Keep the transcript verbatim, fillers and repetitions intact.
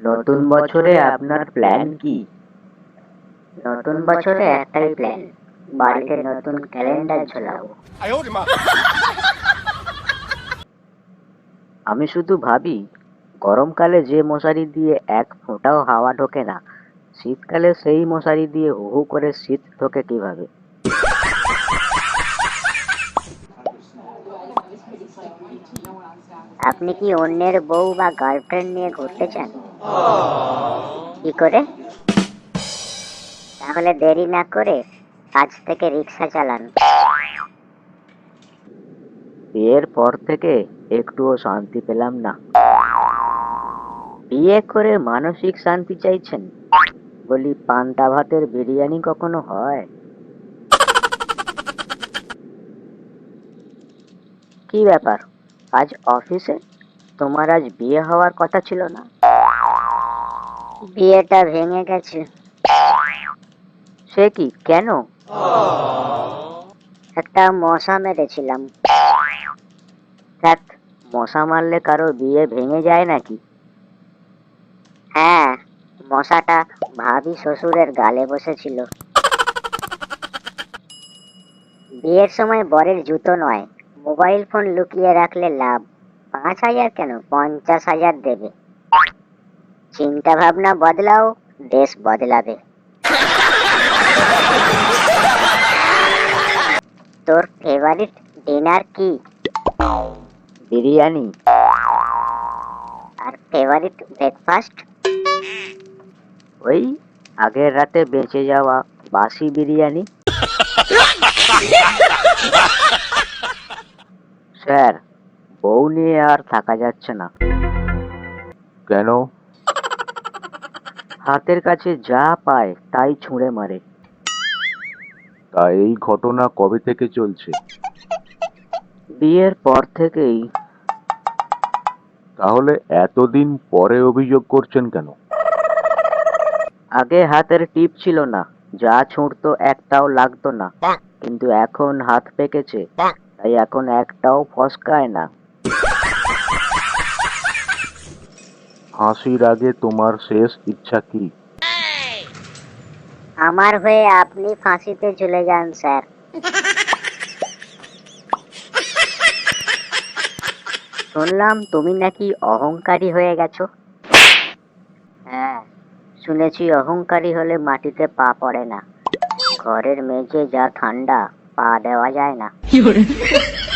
নতুন বছরে আপনার প্ল্যান কি? নতুন বছরে একটাই প্ল্যান, বাড়িতে নতুন ক্যালেন্ডার ঝোলাবো। আমি শুধু ভাবি, গরমকালে যে মশারি দিয়ে এক ফোঁটাও হাওয়া ঢোকে না, শীতকালে সেই মশারি দিয়ে হু হু করে শীত ঢোকে কিভাবে? আপনি কি অন্যের বউ বা গার্লফ্রেন্ড নিয়ে ঘুরতে চান? কি করে? তাহলে দেরি না করে আজ থেকে রিক্সা চালান। বিয়ের পর থেকে একটুও শান্তি পেলাম না। বিয়ে করে মানসিক শান্তি চাইছেন? বলি, পান্তা ভাতের বিরিয়ানি কখনো হয়? কি ব্যাপার, আজ অফিসে? তোমার আজ বিয়ে হওয়ার কথা ছিল না? বিয়েটা ভেঙে গেছে। সে কি, কেন? একটা মশা মেরেছিলাম। দেখ, মশা মারলে কারো বিয়ে ভেঙে যায় নাকি? হ্যাঁ, মশাটা ভাবি শ্বশুরের গালে বসেছিল। বিয়ের সময় বরের জুতো নয়, মোবাইল ফোন লুকিয়ে রাখলে লাভ। পাঁচ হাজার কেন, পঞ্চাশ হাজার দেবে। চিন্তা ভাবনা বদলাও, দেশ বদলাবে। তোর ফেভারিট ডিনার কি? বিরিয়ানি। আর ফেভারিট ব্রেকফাস্ট? ওই আগের রাতে বেঁচে যাওয়া বাসি বিরিয়ানি। স্যার, বউ নিয়ে আর থাকা যাচ্ছে না। কেন? হাতের কাছে যা পায় তাই ছুঁড়ে মারে। তা এই ঘটনা কবে থেকে চলছে? বিয়ের পর থেকেই। তাহলে এতদিন পরে অভিযোগ করছেন কেন? আগে হাতের টিপ ছিল না, যা ছুঁড়তো একটাও লাগতো না। কিন্তু এখন হাত পেকেছে, তাই এখন একটাও ফসকায় না। ফাঁসির আগে তোমার শেষ ইচ্ছা কি? আমার হয়ে আপনি ফাঁসিতে চলে যান স্যার। শুনলাম তুমি নাকি অহংকারী হয়ে গেছো। হ্যাঁ, শুনেছি অহংকারী হলে মাটিতে পা পড়ে না। ঘরের মেঝে যা ঠান্ডা, পা দেওয়া যায় না।